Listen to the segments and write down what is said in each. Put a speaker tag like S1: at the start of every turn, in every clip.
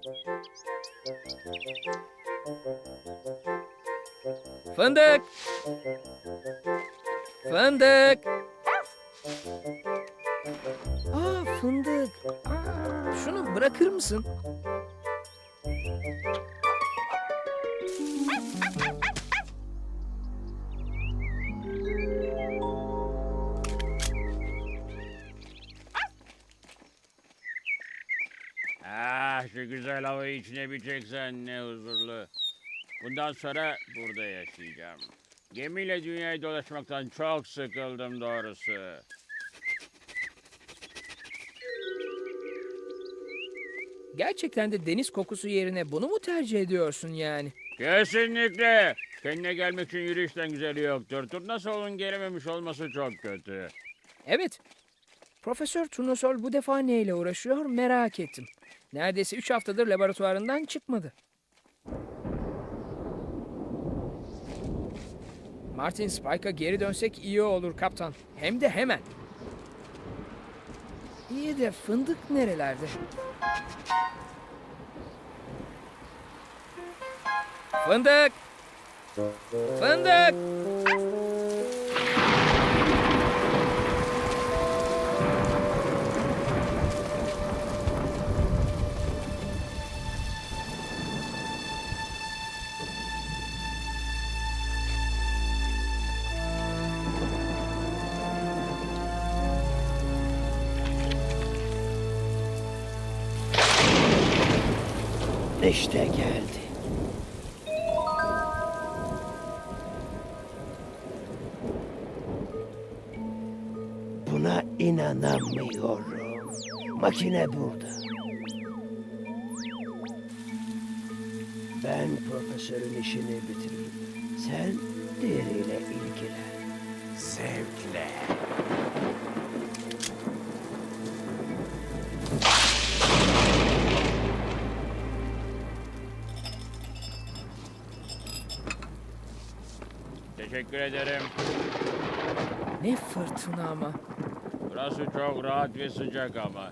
S1: Fındık! Fındık! Aa, fındık. Şunu bırakır mısın?
S2: Şu güzel havayı içine bir çeksen ne huzurlu. Bundan sonra burada yaşayacağım. Gemiyle dünyayı dolaşmaktan çok sıkıldım doğrusu.
S1: Gerçekten de deniz kokusu yerine bunu mu tercih ediyorsun yani?
S2: Kesinlikle. Kendine gelmek için yürüyüşten güzeli yoktur. Turnasol'un gelememiş olması çok kötü.
S1: Evet. Profesör Turnusol bu defa neyle uğraşıyor merak ettim. Neredeyse 3 haftadır laboratuvarından çıkmadı. Martin Spike'a geri dönsek iyi olur kaptan. Hem de hemen. İyi de fındık nerelerde? Fındık! Fındık!
S3: İşte geldi. Buna inanamıyorum. Makine burada. Ben profesörün işini bitireyim. Sen diğeriyle ilgilen.
S2: Zevkle. Teşekkür ederim.
S1: Ne fırtına ama.
S2: Burası çok rahat ve sıcak ama.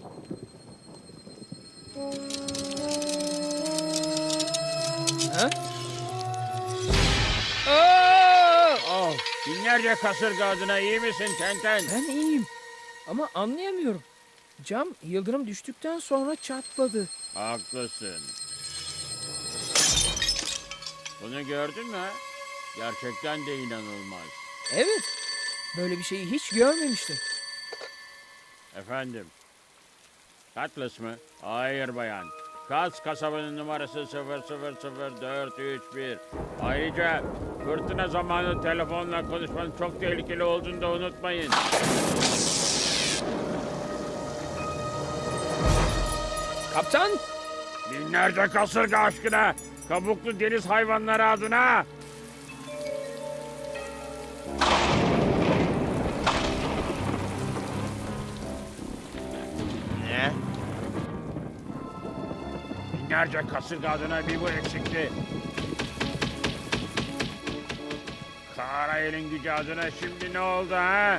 S1: Ha? Aa!
S2: Oh, binlerce kasırga adına iyi misin Tenten?
S1: Ben iyiyim. Ama anlayamıyorum. Cam yıldırım düştükten sonra çatladı.
S2: Haklısın. Bunu gördün mü? Gerçekten de inanılmaz.
S1: Evet. Böyle bir şeyi hiç görmemiştim.
S2: Efendim? Cutlass mı? Hayır bayan. Kaz kasabanın numarası 000431. Ayrıca fırtına zamanı telefonla konuşmanın çok tehlikeli olduğunu da unutmayın.
S1: Kaptan!
S2: Binlerce kasırga aşkına, kabuklu deniz hayvanları adına. Ne? Binlerce kasırga adına bir bu eksikti. Karayel'in gücü adına şimdi ne oldu ha?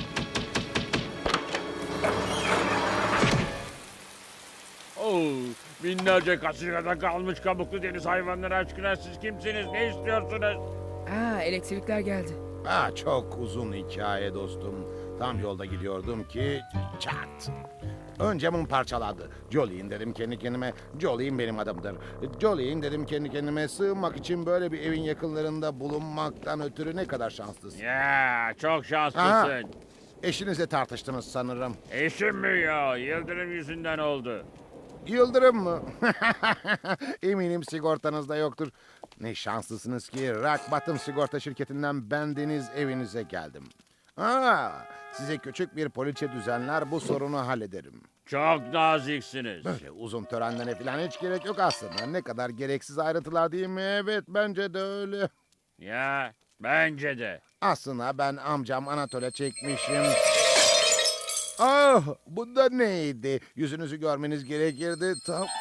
S2: Oh, binlerce kasırgada kalmış kabuklu deniz hayvanları aşkına siz kimsiniz? Ne istiyorsunuz?
S1: Elektrikler geldi.
S4: Çok uzun hikaye dostum. Tam yolda gidiyordum ki çat. Ön camım parçalandı. Jolene dedim kendi kendime. Jolene benim adımdır. Jolene dedim kendi kendime. Sığınmak için böyle bir evin yakınlarında bulunmaktan ötürü ne kadar şanslısın.
S2: Ya çok
S4: Aha.
S2: şanslısın.
S4: Eşinizle tartıştınız sanırım.
S2: Eşim mi ya? Yıldırım yüzünden oldu.
S4: Yıldırım mı? Eminim sigortanızda yoktur. Ne şanslısınız ki Rock Bottom sigorta şirketinden bendeniz evinize geldim. Size küçük bir poliçe düzenler bu sorunu hallederim.
S2: Çok naziksiniz.
S4: Böyle uzun törenlere falan hiç gerek yok aslında. Ne kadar gereksiz ayrıntılar değil mi? Evet bence de öyle.
S2: Ya bence de.
S4: Aslında ben amcam Anatol'e çekmişim. Bu da neydi? Yüzünüzü görmeniz gerekirdi.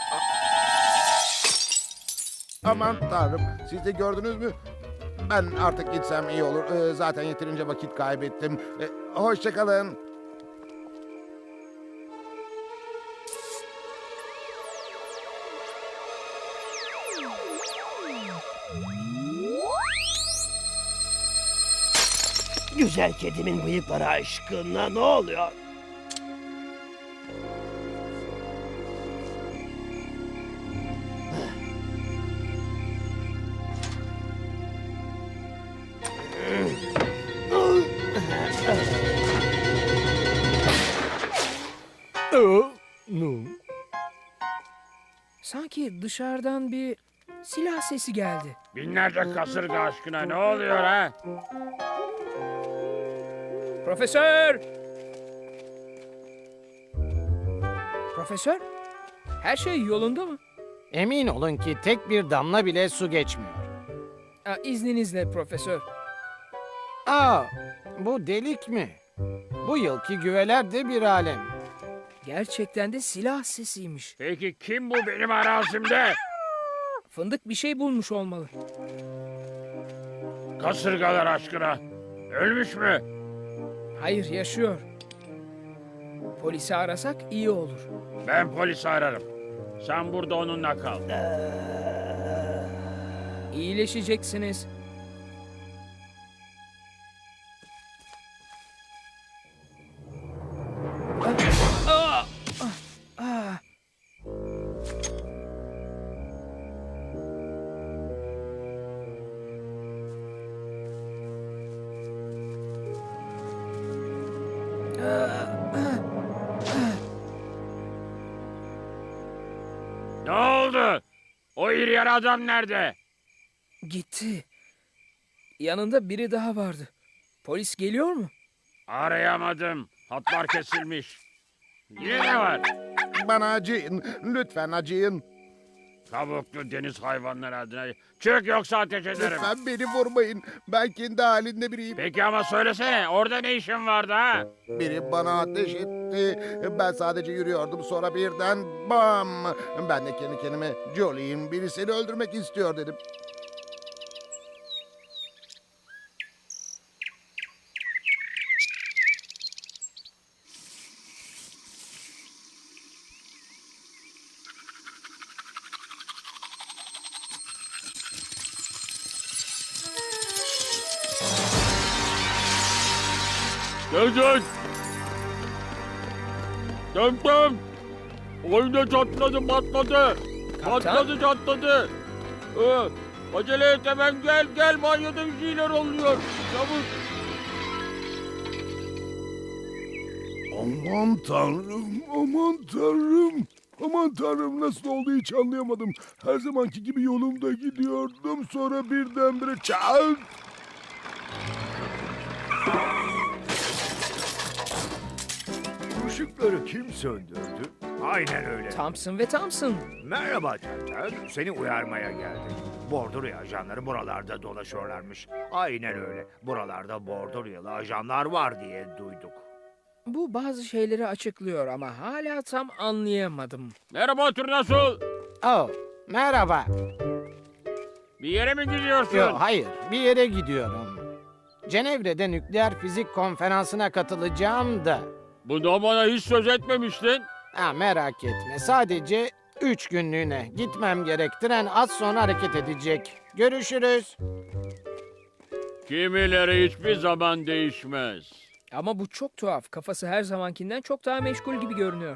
S4: Aman tanrım, siz de gördünüz mü? Ben artık gitsem iyi olur. Zaten yeterince vakit kaybettim. Hoşça kalın.
S3: Güzel kedimin bıyıkları aşkına ne oluyor?
S1: Sanki dışarıdan bir silah sesi geldi.
S2: Binlerce kasırga aşkına ne oluyor ha?
S1: Profesör! Profesör? Her şey yolunda mı?
S5: Emin olun ki tek bir damla bile su geçmiyor.
S1: İzninizle profesör.
S5: Aa, bu delik mi? Bu yılki güveler de bir alem.
S1: Gerçekten de silah sesiymiş.
S2: Peki kim bu benim arazimde?
S1: Fındık bir şey bulmuş olmalı.
S2: Kasırgalar aşkına. Ölmüş mü?
S1: Hayır, yaşıyor. Polisi arasak iyi olur.
S2: Ben polisi ararım. Sen burada onunla kal.
S1: İyileşeceksiniz. Ah! Ah! Ah!
S2: Ne oldu? O iri yarı adam nerede?
S1: Gitti. Yanında biri daha vardı. Polis geliyor mu?
S2: Arayamadım. Hatlar kesilmiş. Yine ne var?
S4: Bana acıyın. Lütfen acıyın.
S2: Kabuklu deniz hayvanları adına. Çık yoksa ateş ederim.
S4: Lütfen beni vurmayın. Ben kendi halinde biriyim.
S2: Peki ama söylesene. Orada ne işin vardı ha?
S4: Biri bana ateş etti. Ben sadece yürüyordum. Sonra birden bam. Ben de kendi kendime Jolie'in biri seni öldürmek istiyor dedim.
S2: Dön. Dön. Oyunda çatladı patladı.
S1: Kaptan?
S2: Çatladı. Acele et hemen gel. Banyoda bir şeyler oluyor. Çabuk.
S6: Aman tanrım, aman tanrım. Aman tanrım nasıl oldu hiç anlayamadım. Her zamanki gibi yolumda gidiyordum. Sonra birdenbire çat.
S7: Işıkları kim söndürdü? Aynen öyle.
S1: Thompson ve Thompson.
S7: Merhaba Tenten, seni uyarmaya geldim. Bordurya ajanları buralarda dolaşıyorlarmış. Aynen öyle. Buralarda Borduryalı ajanlar var diye duyduk.
S1: Bu bazı şeyleri açıklıyor ama hala tam anlayamadım.
S2: Merhaba Turnasol.
S5: Oh, merhaba.
S2: Bir yere mi gidiyorsun?
S5: Yo, hayır, bir yere gidiyorum. Cenevre'de nükleer fizik konferansına katılacağım da.
S2: Bundan bana hiç söz etmemiştin.
S5: Ha, merak etme, sadece 3 günlüğüne gitmem gerek. Tren az sonra hareket edecek. Görüşürüz.
S2: Kimileri hiçbir zaman değişmez.
S1: Ama bu çok tuhaf. Kafası her zamankinden çok daha meşgul gibi görünüyor.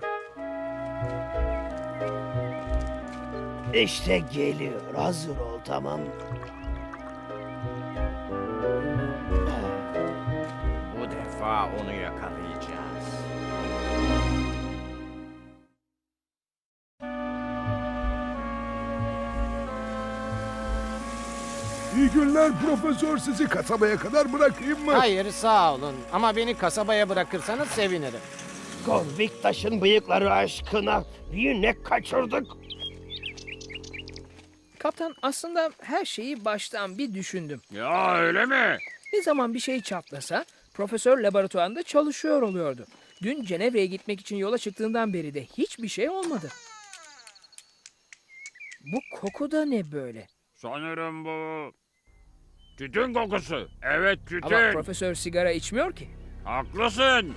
S3: İşte geliyor. Hazır ol, tamam.
S8: Bu defa onu yakalayacağız.
S6: İyi günler profesör, sizi kasabaya kadar bırakayım mı?
S5: Hayır, sağ olun. Ama beni kasabaya bırakırsanız sevinirim.
S3: Konviktaş'ın bıyıkları aşkına yine kaçırdık.
S1: Kaptan, aslında her şeyi baştan bir düşündüm.
S2: Ya öyle mi?
S1: Ne zaman bir şey çatlasa profesör laboratuvarında çalışıyor oluyordu. Dün Cenevre'ye gitmek için yola çıktığından beri de hiçbir şey olmadı. Bu koku da ne böyle?
S2: Sanırım bu... Tütün kokusu. Evet tütün.
S1: Ama profesör sigara içmiyor ki.
S2: Haklısın.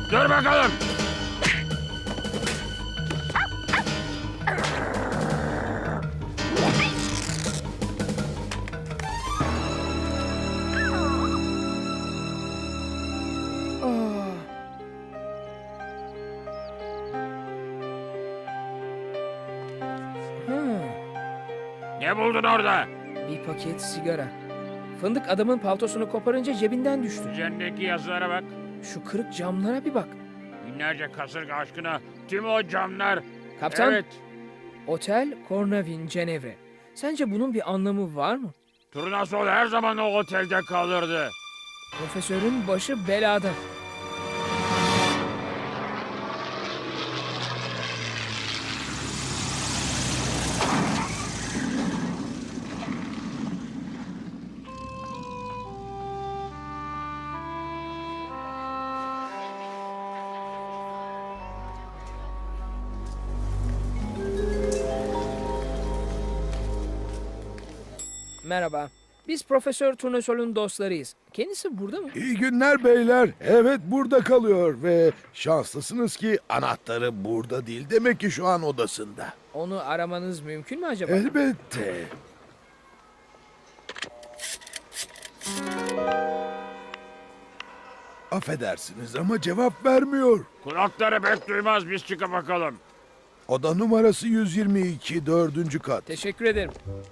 S2: Dur bakalım.
S1: Ah.
S2: Ne buldun orada?
S1: Bir paket sigara. Fındık adamın paltosunu koparınca cebinden düştü.
S2: Üzerindeki yazılara bak.
S1: Şu kırık camlara bir bak.
S2: Binlerce kasırga aşkına tüm o camlar.
S1: Kaptan,
S2: Evet.
S1: Otel Cornavin, Cenevre. Sence bunun bir anlamı var mı?
S2: Turnasol her zaman o otelde kalırdı.
S1: Profesörün başı belada. Merhaba. Biz Profesör Turnesol'un dostlarıyız. Kendisi burada mı?
S6: İyi günler beyler. Evet burada kalıyor ve şanslısınız ki anahtarı burada değil. Demek ki şu an odasında.
S1: Onu aramanız mümkün mü acaba?
S6: Elbette. Affedersiniz ama cevap vermiyor.
S2: Kulakları pek duymaz, biz çıkıp bakalım.
S6: Oda numarası 122, 4. kat.
S1: Teşekkür ederim.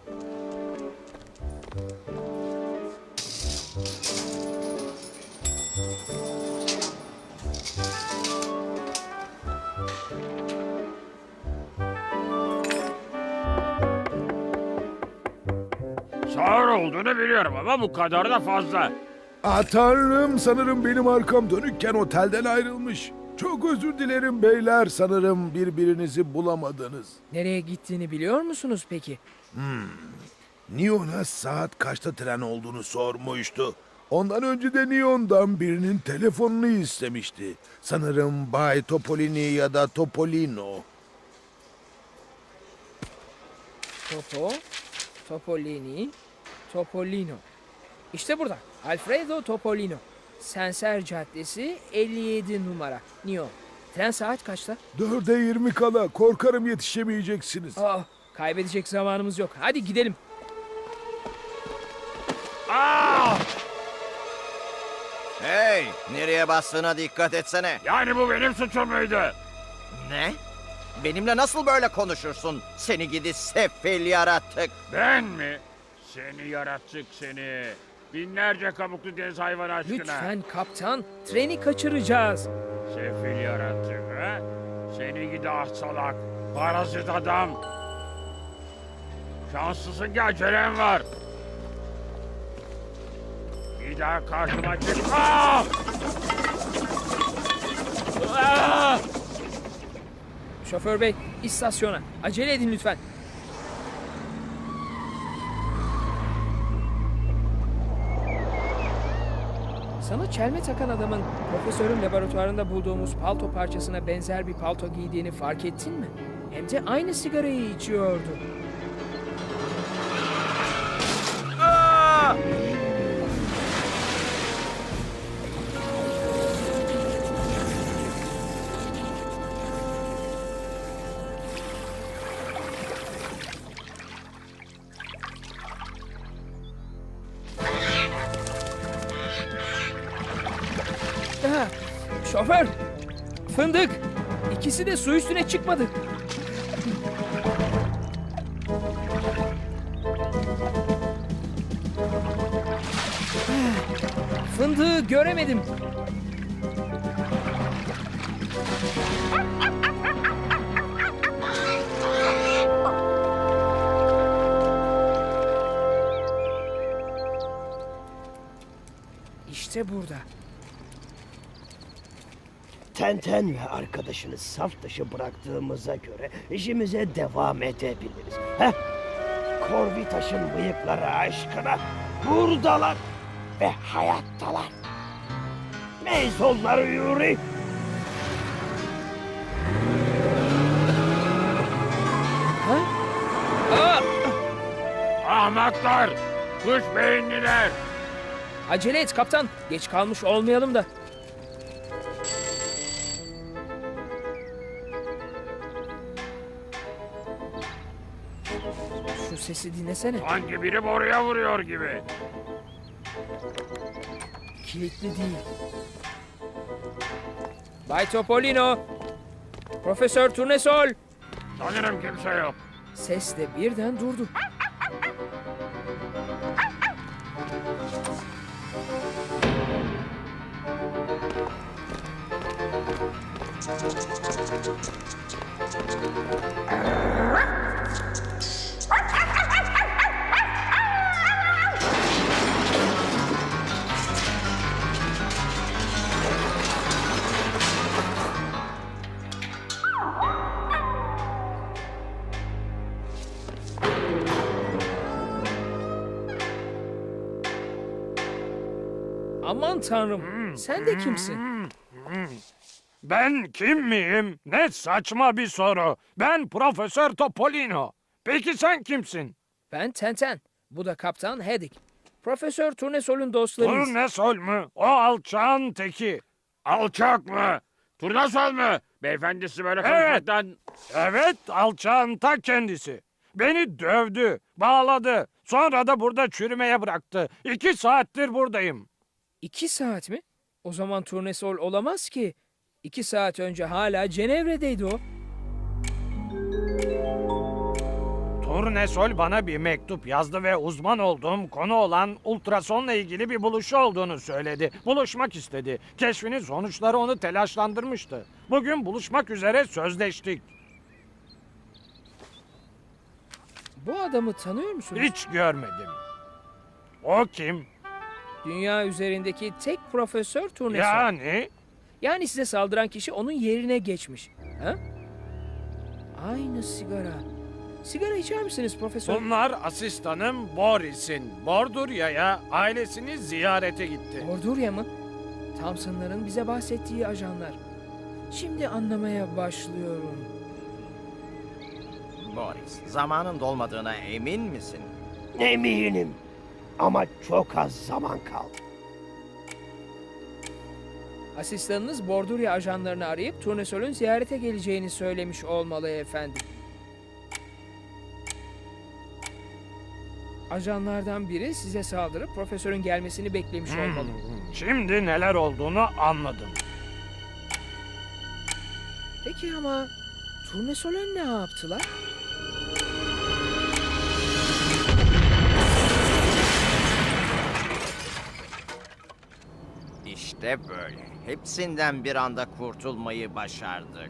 S2: Sağır olduğunu biliyorum ama bu kadar da fazla.
S6: Ah tanrım, sanırım benim arkam dönükken otelden ayrılmış. Çok özür dilerim beyler, sanırım birbirinizi bulamadınız.
S1: Nereye gittiğini biliyor musunuz peki?
S6: Neon'a saat kaçta tren olduğunu sormuştu. Ondan önce de Neon'dan birinin telefonunu istemişti. Sanırım Bay Topolini ya da Topolino.
S1: Topolini, Topolino. İşte burada. Alfredo Topolino. Senser Caddesi 57 numara. Neo. Tren saat kaçta?
S6: 4'e 20 kala, korkarım yetişemeyeceksiniz.
S1: Kaybedecek zamanımız yok. Hadi gidelim.
S2: Aa!
S8: Hey, nereye bastığına dikkat etsene.
S2: Yani bu benim suçum muydu?
S8: Ne? Benimle nasıl böyle konuşursun? Seni gidi sefil yaratık.
S2: Ben mi? Seni yarattık seni. Binlerce kabuklu deniz hayvanı aşkına.
S1: Lütfen kaptan. Treni kaçıracağız.
S2: Sefil yaratık ha? Seni gidi ah salak. Parazit adam. Şanslısın ki acelem var. Bir daha karşıma çık. Aa! Aa!
S1: Şoför bey, istasyona. Acele edin lütfen. Sana çelme takan adamın profesörün laboratuvarında bulduğumuz palto parçasına benzer bir palto giydiğini fark ettin mi? Hem de aynı sigarayı içiyordu. Şoför! Fındık! İkisi de su üstüne çıkmadı. Fındığı göremedim. İşte burada.
S3: Tenten ve arkadaşını saf dışı bıraktığımıza göre işimize devam edebiliriz. Heh, Corvitaş'ın bıyıkları aşkına buradalar ve hayattalar. Neyse onları yürü.
S1: Ha? Aa!
S2: Ahmaklar! Kuş beyinliler!
S1: Acele et kaptan. Geç kalmış olmayalım da. sesi dinlesene.
S2: Sanki biri boruya vuruyor gibi.
S1: Kilitli değil. Bay Topolino. Profesör Turnesol.
S2: Sanırım kimse yok.
S1: Ses de birden durdu. Aman tanrım, sen de kimsin?
S9: Ben kim miyim? Ne saçma bir soru. Ben Profesör Topolino. Peki sen kimsin?
S1: Ben Tenten. Bu da Kaptan Haddock. Profesör Turnesol'un dostlarıyız.
S9: Turnesol mu? O alçağın teki.
S2: Alçak mı? Turnasol mu? Beyefendisi böyle
S9: Evet.
S2: konuşmaktan...
S9: Evet, alçağın ta kendisi. Beni dövdü, bağladı. Sonra da burada çürümeye bıraktı. 2 saattir buradayım.
S1: 2 saat mi? O zaman Turnesol olamaz ki. 2 saat önce hala Cenevre'deydi o.
S9: Turnesol bana bir mektup yazdı ve uzman olduğum konu olan ultrasonla ilgili bir buluşu olduğunu söyledi. Buluşmak istedi. Keşfinin sonuçları onu telaşlandırmıştı. Bugün buluşmak üzere sözleştik.
S1: Bu adamı tanıyor musunuz?
S9: Hiç görmedim. O kim?
S1: Dünya üzerindeki tek Profesör Turnesol.
S9: Yani?
S1: Yani size saldıran kişi onun yerine geçmiş. Ha? Aynı sigara. Sigara içer misiniz Profesör?
S9: Bunlar asistanım Boris'in. Bordurya'ya ailesini ziyarete gitti.
S1: Ordurya mı? Thompson'ların bize bahsettiği ajanlar. Şimdi anlamaya başlıyorum.
S8: Boris, zamanın dolmadığına emin misin?
S3: Eminim. Ama çok az zaman kaldı.
S1: Asistanınız Bordurya ajanlarını arayıp Turnesol'ün ziyarete geleceğini söylemiş olmalı efendim. Ajanlardan biri size saldırıp profesörün gelmesini beklemiş olmalı.
S9: Şimdi neler olduğunu anladım.
S1: Peki ama Turnesol'e ne yaptılar?
S8: İşte böyle. Hepsinden bir anda kurtulmayı başardık.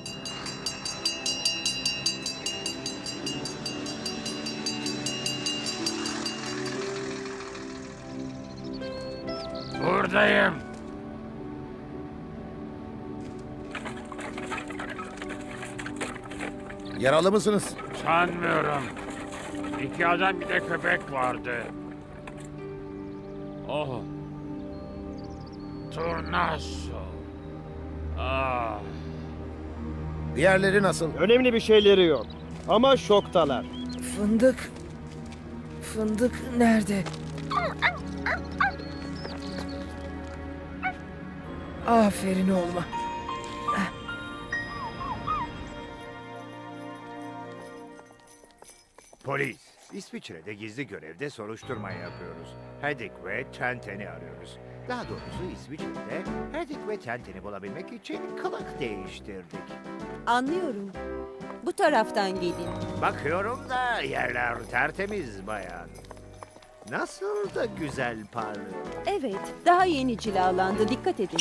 S2: Buradayım.
S4: Yaralı mısınız?
S2: Sanmıyorum. 2 adam bir de köpek vardı. Oh. Turnasol. Ah.
S4: Diğerleri nasıl?
S10: Önemli bir şeyleri yok. Ama şoktalar.
S1: Fındık. Fındık nerede? Aferin oğluma.
S7: Polis, İsviçre'de gizli görevde soruşturma yapıyoruz. Haddock ve Tenten'i arıyoruz. Daha doğrusu İsviçre'de Haddock ve Tenten'i bulabilmek için kılık değiştirdik.
S11: Anlıyorum. Bu taraftan gelin.
S7: Bakıyorum da yerler tertemiz bayan. Nasıl da güzel parlıyor.
S11: Evet, daha yeni cilalandı. Dikkat edin.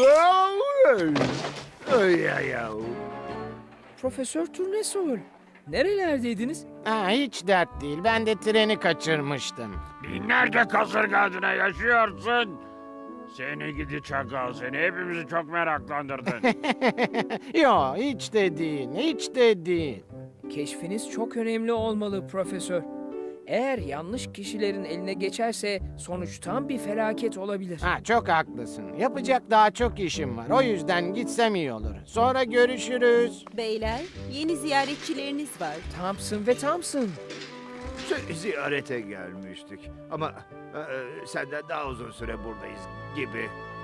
S7: Ay ay ay.
S1: Profesör Turnesol. Nerelerdeydiniz?
S5: Ha, hiç dert değil. Ben de treni kaçırmıştım.
S2: Binlerce kasırga adına yaşıyorsun. Seni gidi çakal, seni hepimizi çok meraklandırdın.
S5: Yo, hiç de değil. Hiç de değil.
S1: Keşfiniz çok önemli olmalı Profesör. Eğer yanlış kişilerin eline geçerse sonuç tam bir felaket olabilir.
S5: Ha, çok haklısın. Yapacak daha çok işim var. O yüzden gitsem iyi olur. Sonra görüşürüz.
S11: Beyler, yeni ziyaretçileriniz var.
S1: Thompson ve Thompson.
S7: Ziyarete gelmiştik. Ama senden daha uzun süre buradayız gibi.